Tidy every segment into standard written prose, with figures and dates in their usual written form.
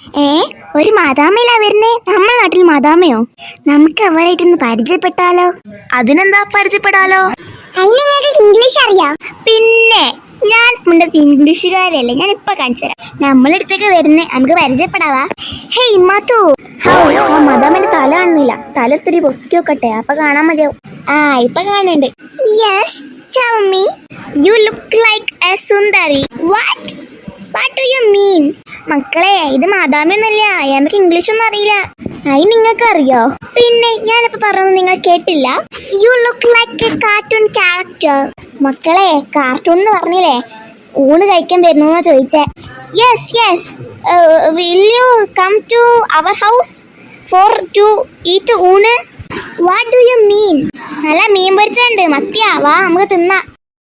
ഏ ഒരു മാതാമയിലാ വരുന്നേ? നമ്മുടെ നാട്ടിൽ മാതാമയോ? നമുക്ക് അവരായിട്ടൊന്ന് പരിചയപ്പെട്ടാലോ? അതിനെന്താ പരിചയപ്പെടാലോ? ഇംഗ്ലീഷ് അറിയാം? പിന്നെ ഞാൻ മുണ്ടത്ത് ഇംഗ്ലീഷുകാരല്ലേ, ഞാൻ ഇപ്പൊ കാണിച്ചു തരാം. നമ്മളടുത്തേക്ക് വരുന്നേ, നമുക്ക് പരിചയപ്പെടാവാ. ഹേയ് മാത്തു. മദാമന്റെ തല കാണുന്നില്ല, തല ഇത്തിരി പൊക്കി വെക്കട്ടെ, അപ്പൊ കാണാൻ മതിയാവും. ഇപ്പൊ കാണുന്നുണ്ട്. Yes, tell me. You look like a സുന്ദരി. What do you mean? മക്കളെ, ഇത് മാതാമയൊന്നുമല്ല, അയാൾക്ക് ഇംഗ്ലീഷ് ഒന്നും അറിയില്ല. അത് നിങ്ങൾക്ക് അറിയോ? പിന്നെ ഞാനിപ്പോ പറഞ്ഞത് നിങ്ങൾ കേട്ടില്ല? You look like a cartoon character. മക്കളെ, കാർട്ടൂൺ എന്ന് പറഞ്ഞില്ലേ, ഊണ് കഴിക്കാൻ വരുന്നു ചോദിച്ചേ. Yes will you come to our house for to eat ഊണ്? What do you mean? നല്ല മീൻ പൊരിച്ചുണ്ട്, മത്തിയാ, വാ നമുക്ക് തിന്നാം.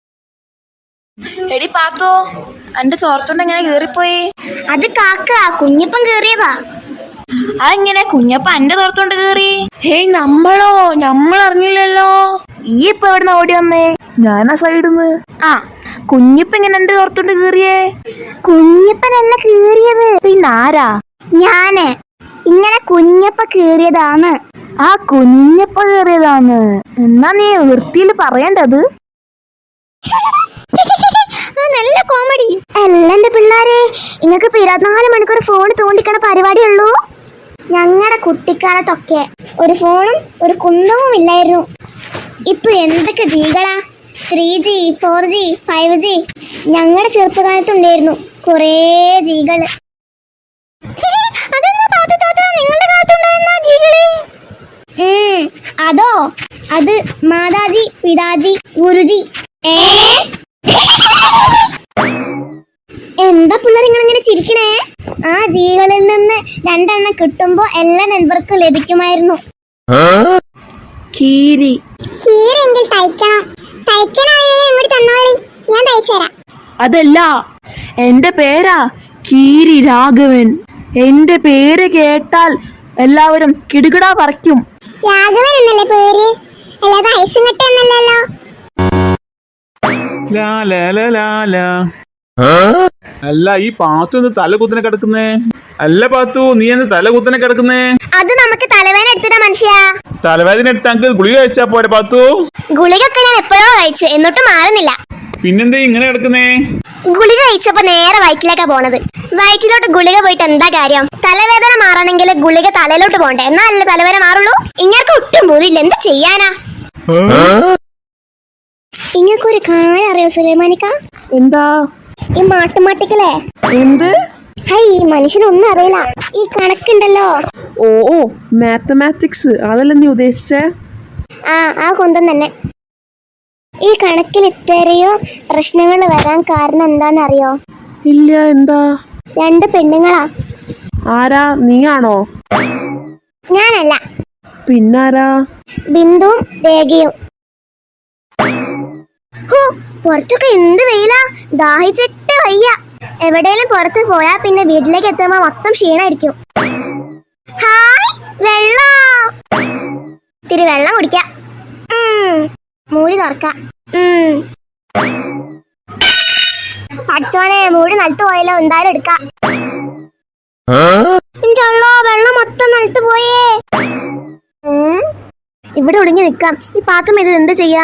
എടി പാത്തോ, എന്റെ ചോർത്തോണ്ട് എങ്ങനെ കേറിപ്പോയി? അത് കാക്ക, കുഞ്ഞിപ്പം കേറിയതാ. അതെങ്ങനെ കുഞ്ഞപ്പ എന്റെ തോർത്തോണ്ട് കേറി? ഹേയ്, നമ്മൾ അറിഞ്ഞില്ലല്ലോ. ഈ ഇപ്പൊ എവിടുന്ന് ഓടി വന്നേ? ഞാനാ സൈഡിന്ന്. കുഞ്ഞിപ്പ എങ്ങനെ എന്റെ തോർത്തോണ്ട് കേറിയേ? കുഞ്ഞപ്പനല്ല കേറിയത്, പിന്നെ ആരാ? ഞാന്. ഇങ്ങനെ കുഞ്ഞപ്പ കേറിയതാണ്. കുഞ്ഞപ്പ കേറിയതാന്ന്. എന്നാ നീ വൃത്തിയിൽ പറയണ്ടത്. നല്ല കോമഡി അല്ല എന്റെ പിള്ളേരെ. നിങ്ങൾക്ക് 24 മണിക്കൂർ ഫോൺ തോണ്ടിക്കണ പരിപാടിയുള്ളൂ. ഞങ്ങളുടെ കുട്ടിക്കാലത്തൊക്കെ ഒരു ഫോണും ഒരു കുന്തവും ഇല്ലായിരുന്നു. ഇപ്പൊ എന്തൊക്കെ ജികളാ, 3G 4G 5G. ഞങ്ങളുടെ ചെറുപ്പകാലത്തുണ്ടായിരുന്നു കുറേ ജികള്. അതോ, അത് മാതാജി പിതാജി ഗുരുജി. എന്താ പിള്ളേർ നിങ്ങളിങ്ങനെ ചിരിക്കണേ? ആ ജീവികളിൽ നിന്ന് 2 എണ്ണം കിട്ടുമ്പോ എല്ലാ നെറ്റ്വർക്കും ലഭിക്കുമായിരുന്നു. കീരെങ്കിൽ തന്നോളി, ഞാൻ തയ്ച്ചു തരാം. അതല്ല, എന്റെ പേരാ കീരി രാഘവൻ. എന്റെ പേര് കേട്ടാൽ എല്ലാവരും കിടുകിടാ പറിക്കും. രാഘവൻ എന്നല്ലേ പേര്, അല്ലാതെ ഐസും കെട്ടൊന്നല്ലല്ലോ. അല്ല, ഈ പാത്തു എന്ത് തല കുത്തനെ കിടക്കുന്നേ? അല്ല പാത്തു, നീ എന്ത് തല കുത്തനെ കിടക്കുന്നേ? അത് നമുക്ക് തലവേദന എടുത്തിട്ടാ മനുഷ്യ. തലവേദന എടുത്ത് നമുക്ക് ഗുളിക കഴിച്ചാ പോരെ പാത്തു? ഗുളികൊക്കെ ഞാൻ എപ്പോഴോ കഴിച്ചു, എന്നിട്ടും മാറുന്നില്ല. പിന്നെന്താ ഇങ്ങനെ കിടക്കുന്നേ? ഗുളിക കഴിച്ചപ്പോ നേരെ വയറ്റിലേക്കാ പോണത്. വയറ്റിലോട്ട് ഗുളിക പോയിട്ട് എന്താ കാര്യം? തലവേദന മാറണമെങ്കിൽ ഗുളിക തലയിലോട്ട് പോണ്ടേ, എന്നാലല്ലേ തലവേദന മാറുള്ളൂ. ഇങ്ങനൊക്കെ ഒട്ടും പോതില്ല, എന്ത് ചെയ്യാനാ? ഇങ്ങക്കൊരു കാര്യം അറിയോ സുലൈമാനിക്ക? എന്താ? ഈ മാട്ടുമാട്ടിക്കലേ എന്ത്? ഈ മനുഷ്യനൊന്നും അറിയില്ല. ഈ കണക്കുണ്ടല്ലോ, ഓ മാത്തമാറ്റിക്സ്, അതല്ല നീ ഉദ്ദേശിച്ചേ? ആ കൊന്തം തന്നെ. ഈ കണക്കിൽ ഇത്രയോ പ്രശ്നങ്ങൾ വരാൻ കാരണം എന്താന്നറിയോ? ഇല്ല, എന്താ? 2 പെണ്ണുങ്ങളാ. ആരാ? നീയാണോ? ഞാനല്ല. പിന്നാരാ? ബിന്ദുവും രേഖയും. പുറത്തൊക്കെ എന്ത് വെയിലാ, ദാഹിച്ചിട്ട് വയ്യ. എവിടെയെങ്കിലും പുറത്ത് പോയാ പിന്നെ വീട്ടിലേക്ക് എത്തുമ്പോ മൊത്തം ക്ഷീണായിരിക്കും. ഹായ്, വെള്ളം. ഇത്തിരി വെള്ളം കുടിക്കാം. മൂടി തുറക്കാം. അച്ഛനെ, മൂടി നിലത്ത് പോയല്ലോ, എന്തായാലും എടുക്കാം. വെള്ളം മൊത്തം നിലത്ത് പോയേ. ഇവിടെ ഒടുങ്ങി നിക്കാം. ഈ പാത്രം ഇത് എന്ത് ചെയ്യാ?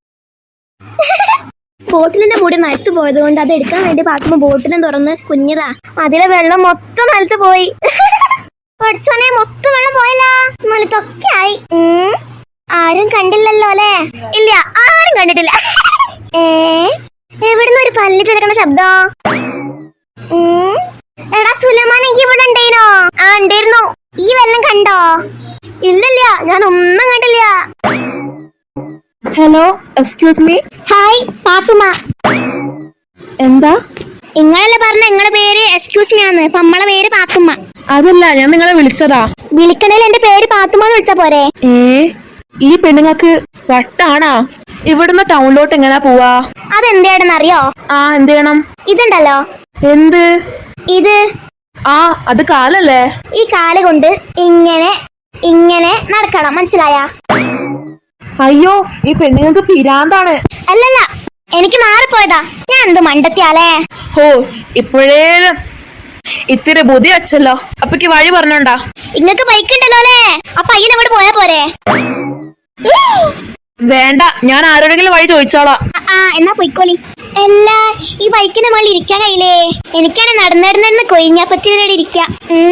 ബോട്ടിലിന്റെ മൂടി നിലത്ത് പോയത് കൊണ്ട് അത് എടുക്കാൻ വേണ്ടി പാത്തുമ്പോ ബോട്ടിലും തുറന്ന് കുഞ്ഞതാ. അതിലെ വെള്ളം മൊത്തം നിലത്ത് പോയി. പഠിച്ചോനെ, മൊത്തം വെള്ളം പോയല്ല, നിലത്തൊക്കെ ആയി. ആരും കണ്ടില്ലല്ലോ അല്ലേ? ഇല്ല, ആരും കണ്ടിട്ടില്ല. എവിടുന്ന് ഒരു പല്ല് ചിലക്കണ ശബ്ദം? എടാ സുലൈമാൻ, എനിക്ക് ഇവിടെ ഉണ്ടായിരുന്നോ? ഉണ്ടായിരുന്നു. ഈ വെള്ളം കണ്ടോ? ഇല്ലില്ല, ഞാൻ ഒന്നും കണ്ടില്ല. Hello, excuse me. Hi Pathumma. എന്താ? നിങ്ങളല്ലേ പറഞ്ഞ നിങ്ങളുടെ പേര് എക്സ്ക്യൂസ് മീ ആന്ന്, അപ്പൊ നമ്മളെ പേര് പാത്തുമ്മ. അതല്ല, ഞാൻ നിങ്ങളെ വിളിച്ചതാ. വിളിക്കണേൽ എന്റെ പേര് പാത്തുമ്മ എന്ന് വിളിച്ചാ പോരെ? ഈ പെണ്ണുങ്ങൾക്ക് വട്ടാണാ? ഇവിടുന്ന് ടൗണിലോട്ട് എങ്ങനാ പോവാ? അതെന്താണെന്ന് അറിയോ? എന്ത് ചെയ്യണം? ഇതുണ്ടല്ലോ. എന്ത്? ഇത്. അത് കാലല്ലേ? ഈ കാല് കൊണ്ട് ഇങ്ങനെ ഇങ്ങനെ നടക്കണം, മനസ്സിലായ? അയ്യോ, ഈ പെണ്ണുങ്ങൾക്ക് പിരാന്താണ്. അല്ലല്ല, എനിക്ക് മാറിപ്പോയതാ. ഞാൻ എന്ത് മണ്ടത്തിയാലേ. ഇപ്പോഴേലും ഇത്തിരി ബുദ്ധി വെച്ചല്ലോ. അപ്പക്ക് വഴി പറഞ്ഞോണ്ടാ. ഇങ്ങക്ക് ബൈക്ക് ഉണ്ടല്ലോ അല്ലേ? ആ പയ്യൻ അങ്ങോട്ട് പോയാ പോരെ? വേണ്ട, ഞാൻ ആരോടെങ്കിലും വഴി ചോദിച്ചോളാം. എന്നാ പൊയ്ക്കോളി. അല്ല, ഈ ബൈക്കിന്റെ മുകളിൽ ഇരിക്കാൻ കഴിയില്ലേ? എനിക്കാണ് നടന്നിടന്ന് കൊഴിഞ്ഞാപ്പത്തിനോട് ഇരിക്കാം.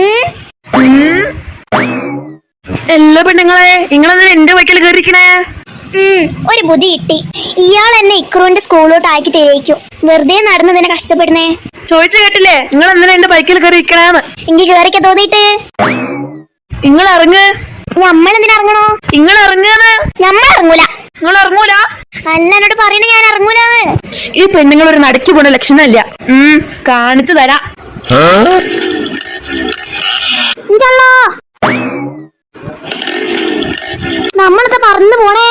എല്ലാ പെണ്ണുങ്ങളെ, നിങ്ങളെന്തിനാ എന്റെ ബൈക്കിൽ കയറിക്കണേ? ഒരു ബുദ്ധി കിട്ടി. ഇയാൾ എന്നെ ഇക്രൂന്റെ സ്കൂളിലോട്ട് ആക്കി തേക്കും. വെറുതെ നടന്നതിനെ കഷ്ടപ്പെടുന്നേ. ചോദിച്ചു കേട്ടില്ലേ, നിങ്ങൾ എന്തിനാ എന്റെ ബൈക്കിൽ കയറിക്കണേന്ന്? എനിക്ക് കേറിക്ക തോന്നിട്ട്. നിങ്ങൾ ഇറങ്ങ്. നമ്മളെന്തിനാ ഇറങ്ങണോ? നിങ്ങൾ ഇറങ്ങാന്ന്. നമ്മൾ ഇറങ്ങൂല. നിങ്ങൾ ഇറങ്ങൂല? അല്ല, എന്നോട് പറയണ ഞാൻ ഇറങ്ങൂലാന്ന്. ഈ പെണ്ണുങ്ങൾ ഒരു നടക്കി പോണ ലക്ഷണമില്ല. കാണിച്ചു തരാം. നമ്മളത് പറന്നു പോണേ.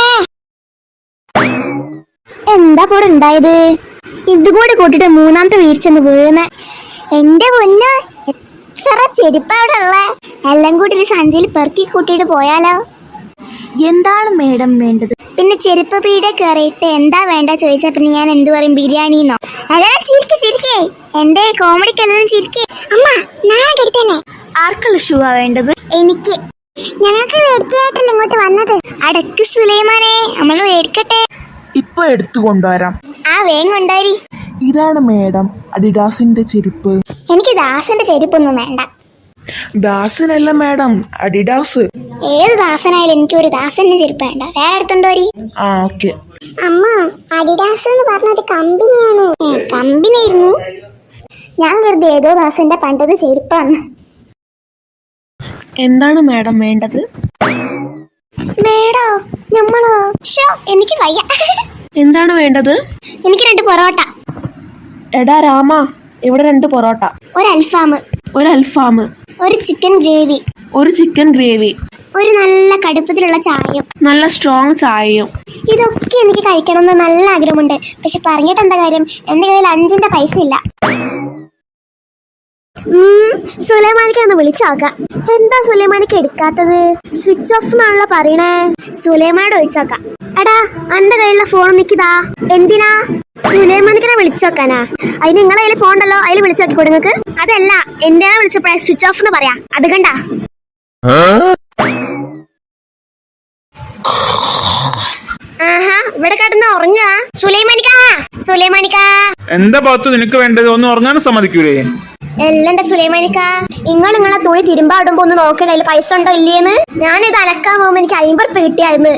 എന്താ കൂടെ ഉണ്ടായത്? ഇതുകൂടി കൂട്ടിട്ട് മൂന്നാമത്തെ വീഴ്ചന്ന് വീഴുന്ന. എന്റെ പൊന്ന്, എത്ര ചെരുപ്പ അവിടെ ഉള്ള. എല്ലാം കൂടി ഒരു സഞ്ചിയിൽ പെറുക്കി കൂട്ടിയിട്ട് പോയാലോ? എന്താണ് മേഡം വേണ്ടത്? പിന്നെ ചെരുപ്പ് പീടെ കയറിയിട്ട് എന്താ വേണ്ട ചോദിച്ചാ പിന്നെ ഞാൻ എന്ത് പറയും? ബിരിയാണിന്നോ? അതെല്ലാം ചിരിക്കേ. എന്റെ കോമഡിക്കെല്ലാം ചിരിക്കേ. അമ്മ, നാളെ കെടുത്തന്നെ. ആർക്കുള്ള ഷൂ ആ വേണ്ടത്? എനിക്ക്. ഞങ്ങൾക്ക് മേടിക്കായിട്ടല്ല ഇങ്ങോട്ട് വന്നത്. അടക്ക് സുലൈമാനെ, നമ്മൾ മേടിക്കട്ടെ. ഇപ്പൊ എടുത്തു കൊണ്ടുവരാം. വേഗം കൊണ്ടുവരി. ഇതാണ് മേഡം അഡിഡാസിന്റെ ചെരുപ്പ്. എനിക്ക് ദാസന്റെ ചെരുപ്പൊന്നും വേണ്ട. ദാസനല്ല മേഡം, അഡിഡാസ്. ഏത് ദാസനായാലും എനിക്ക് ഒരു ദാസന്റെ ചെരുപ്പ് വേണ്ട. വേറെ എടുത്തോണ്ടോരി. ഓക്കെ. അമ്മ, അഡിഡാസ് എന്ന് പറഞ്ഞൊരു കമ്പനിയാണ്. കമ്പനി ആയിരുന്നു. ഞാൻ കരുതി ഏതോ ദാസന്റെ പണ്ടത് ചെരുപ്പാണ്. എന്താണ് മേഡം വേണ്ടത്? മേടോ, നമ്മളോ? എനിക്ക് വയ്യ. എന്താണ് വേണ്ടത്? എനിക്ക് 2 പൊറോട്ട. എടാ രാമ, ഇവിടെ 2 പൊറോട്ട, ഒരു അൽഫാം, ഒരു ചിക്കൻ ഗ്രേവി, ഒരു നല്ല കടുപ്പത്തിലുള്ള ചായയും, നല്ല സ്ട്രോങ് ചായയും. ഇതൊക്കെ എനിക്ക് കഴിക്കണമെന്ന് നല്ല ആഗ്രഹമുണ്ട്. പക്ഷെ പറഞ്ഞിട്ട് എന്താ കാര്യം? എന്റെ കയ്യിൽ 5ന്റെ പൈസ ഇല്ല. സുലൈമാനിക്ക് ഒന്ന് വിളിച്ചോക്കാം. എന്താ സുലൈമാനിക്ക് എടുക്കാത്തത്? സ്വിച്ച് ഓഫ് എന്നാണല്ലോ പറയണേ. സുലൈമാനോട് ചോദിച്ചോക്കാം. എടാ, എന്റെ കയ്യിലുള്ള ഫോൺ നിക്കിതാ. എന്തിനാ? സുലൈമാനിക്കിനെ വിളിച്ചോക്കാനാ? അതിന് നിങ്ങളെ കയ്യിൽ ഫോൺ ഉണ്ടല്ലോ, അതിൽ വിളിച്ചോക്കി കൊടുങ്ങക്ക്. അതല്ല, എന്തിനാ വിളിച്ചപ്പോഴേ സ്വിച്ച് ഓഫ് എന്ന് പറയാ. അത് കണ്ടാ? ഇവിടെ കിടന്ന് ഉറങ്ങാ. സുലൈമാനിക്ക. എന്താ പാത്തു നിനക്ക് വേണ്ടത്? ഒന്നും ഉറങ്ങാനും സമ്മതിക്കൂലേ? എല്ലണ്ട സുലൈമാനിക്ക, നിങ്ങളെ തുണി തിരുമ്പാടുമ്പോ ഒന്ന് നോക്കണേ അതിൽ പൈസ ഉണ്ടോ ഇല്ലേന്ന്. ഞാനിത് അലക്കാൻ പോകുമ്പോ എനിക്ക് 50 ഉറുപ്പിക കിട്ടിയായിരുന്നു.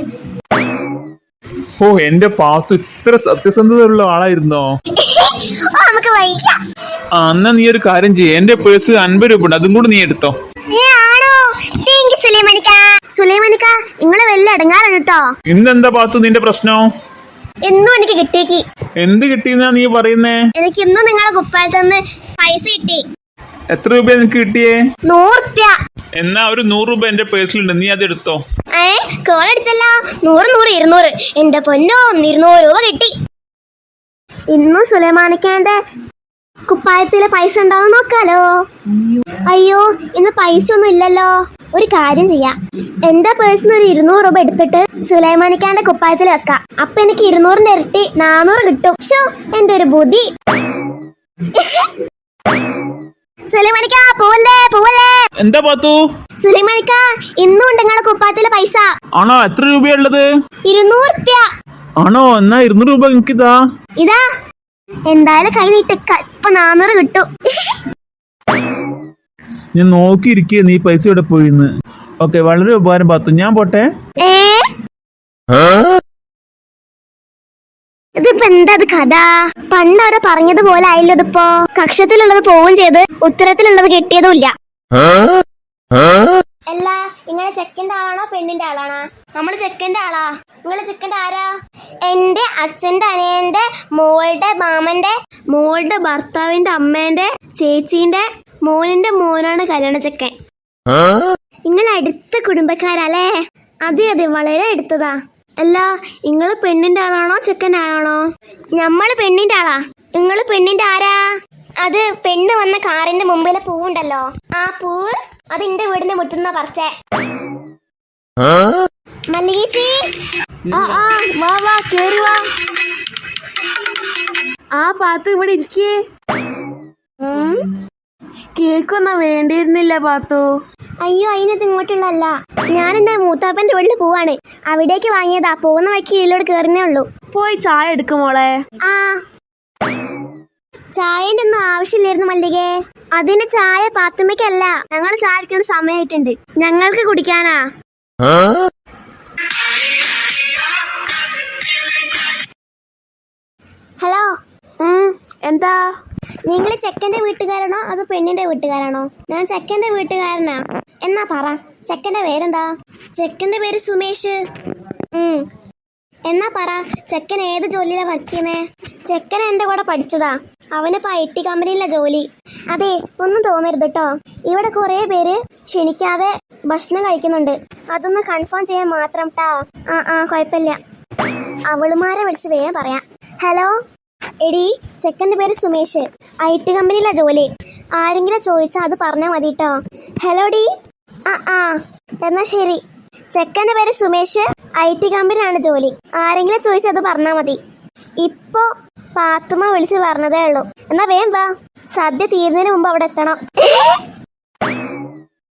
എന്റെ പാത്തു ഇത്ര സത്യസന്ധതയുള്ള ആളായിരുന്നോ? നമുക്ക് വയ്യ. എന്നാ നീ ഒരു കാര്യം ചെയ്യ, എന്റെ പേഴ്സ് 50 രൂപ ഉണ്ട്, അതും കൂടി നീ എടുത്തോ. ആണോ? സുലൈമാനിക്ക, നിങ്ങളെ വല്ല അടങ്ങാറാണ് കേട്ടോ. ഇന്നെന്താ പാത്തു നിന്റെ പ്രശ്നം? എന്നും എനിക്ക് കിട്ടിയേക്ക്. എന്ത് കിട്ടിയെന്നാ നീ പറയുന്നേ? എനിക്ക് ഇന്നും നിങ്ങളെ കുപ്പായത്തിൽ നിന്ന് പൈസ കിട്ടി. എത്ര രൂപ നിനക്ക് കിട്ടിയേ? 100 ഉറുപ്പ്യ. എന്നാ ഒരു 100 രൂപ എന്റെ പേഴ്സിലുണ്ട്, നീ അത് എടുത്തോ. കോളടിച്ചല്ലോ. 100 200. എന്റെ പൊന്നോ, 200 രൂപ കിട്ടി. ഇന്നും സുലൈമാനിക്കാന്റെ കുപ്പായത്തില് പൈസ ഉണ്ടാവും നോക്കാലോ. അയ്യോ, ഇന്ന് പൈസ ഒന്നും ഇല്ലല്ലോ. ഒരു കാര്യം ചെയ്യാം, എന്റെ പേഴ്സിന് ഒരു 200 രൂപ എടുത്തിട്ട് സുലൈമാനിക്കാന്റെ കുപ്പായത്തിൽ വെക്കാം. അപ്പൊ എനിക്ക് 200ന്റെ ഇരട്ടി 400 കിട്ടും. എന്റെ ഒരു ബുദ്ധി. സുലൈമാനിക്ക, പോവല്ലേ. എന്താ പാത്തു? സുലൈമാനിക്ക, ഇന്നും ഉണ്ട് നിങ്ങളെ കുപ്പായത്തിലെ പൈസ. ആണോ? എത്ര രൂപയുള്ളത്? 200 ഉറുപ്പ്യ. ആണോ? എന്നാ 200 രൂപ എനിക്കിതാ. ഇതാ, എന്തായാലും കൈ നീട്ടിക്ക. ഇപ്പൊ 400 കിട്ടും. ഞാൻ നോക്കിയിരിക്കുക നീ പൈസ ഇവിടെ പോയിന്ന്. ഓക്കെ, വളരെ ഉപകാരം പാത്തു, ഞാൻ പോട്ടെ. ഇതിപ്പോ എന്താ കഥ? പണ്ടവരെ പറഞ്ഞതുപോലെ ആയില്ലോ ഇതിപ്പോ. കക്ഷത്തിലുള്ളത് പോവുകയും ചെയ്ത് ഉത്തരത്തിലുള്ളത് കിട്ടിയതും ഇല്ല. അല്ല, നിങ്ങളെ ചെക്കന്റെ ആളാണോ പെണ്ണിന്റെ ആളാണോ? നമ്മള് ചെക്കന്റെ ആളാ. നിങ്ങളെ ചെക്കന്റെ ആരാ? എന്റെ അച്ഛന്റെ അനിയന്റെ മോളുടെ മാമന്റെ മോളുടെ ഭർത്താവിന്റെ അമ്മേന്റെ ചേച്ചീന്റെ മോനിന്റെ മോനാണ് കല്യാണ ചെക്കൻ. നിങ്ങൾ അടുത്ത കുടുംബക്കാരല്ലേ? അതെ, വളരെ അടുത്തതാ. അല്ല, നിങ്ങള് പെണ്ണിന്റെ ആളാണോ ചെക്കന്റെ ആളാണോ? നമ്മള് പെണ്ണിന്റെ ആളാ. നിങ്ങള് പെണ്ണിന്റെ ആരാ? അത് പെണ്ണ് വന്ന കാറിന്റെ മുമ്പിലെ പൂവുണ്ടല്ലോ, ആ പൂവ് അത് എന്റെ വീടിന്റെ മുറ്റുന്ന പറിച്ചേ. മല്ലികേച്ചി, വാ കേറി വാ. പാത്തു ഇവിടെ ഇരിക്കേ. കേക്കൊന്നും വേണ്ടിയിരുന്നില്ല പാത്തു. അയ്യോ, അതിനകത്ത് ഇങ്ങോട്ടുള്ളല്ല. ഞാൻ എന്റെ മൂത്താപ്പന്റെ വീട്ടിൽ പോവാണ്. അവിടേക്ക് വാങ്ങിയതാ. പോകുന്ന വഴിക്ക് ഇതിലോട് കയറുന്നേ ഉള്ളൂ. പോയി ചായ എടുക്കുമോളെ. ആ, ചായന്റെ ഒന്നും ആവശ്യമില്ലായിരുന്നു മല്ലികേ. അതിന്റെ ചായ പാത്തുമ്മയ്ക്കല്ല. ഞങ്ങൾ ചായ എടുക്കേണ്ട സമയമായിട്ടുണ്ട്. ഞങ്ങൾക്ക് കുടിക്കാനാ. ഹലോ, എന്താ? നിങ്ങൾ ചെക്കന്റെ വീട്ടുകാരാണോ അതോ പെണ്ണിന്റെ വീട്ടുകാരാണോ? ഞാൻ ചെക്കന്റെ വീട്ടുകാരനാ. എന്നാ പറ, ചെക്കന്റെ പേരെന്താ? ചെക്കന്റെ പേര് സുമേഷ്. എന്നാ പറ, ചെക്കൻ ഏത് ജോലിയിലാ വർക്ക് ചെയ്യുന്നേ? ചെക്കൻ എന്റെ കൂടെ പഠിച്ചതാ. അവനിപ്പോ IT കമ്പനിയിലെ ജോലി. അതെ, ഒന്നും തോന്നരുത് കേട്ടോ. ഇവിടെ കുറെ പേര് ക്ഷണിക്കാതെ ഭക്ഷണം കഴിക്കുന്നുണ്ട്. അതൊന്ന് കൺഫേം ചെയ്യാൻ മാത്രം ട്ടാ. കുഴപ്പമില്ല. അവളുമാരെ വിളിച്ച് വേഗം പറയാം. ഹലോ എടി, ചെക്കന്റെ പേര് സുമേഷ്. IT കമ്പനിയിലെ ജോലി. ആരെങ്കിലും ചോദിച്ചാൽ അത് പറഞ്ഞാൽ മതി കേട്ടോ. ഹലോ ഡി. എന്നാ ശരി. ചെക്കന്റെ പേര് സുമേഷ്. IT കമ്പനിയാണ് ജോലി. ആരെങ്കിലും ചോദിച്ചാൽ അത് പറഞ്ഞാൽ മതി. ഇപ്പൊ പാത്തുമ്മ വിളിച്ച് പറഞ്ഞതേ ഉള്ളൂ. എന്നാ വേഗം വാ, സദ്യ തീരുന്നതിന് മുമ്പ് അവിടെ എത്തണം.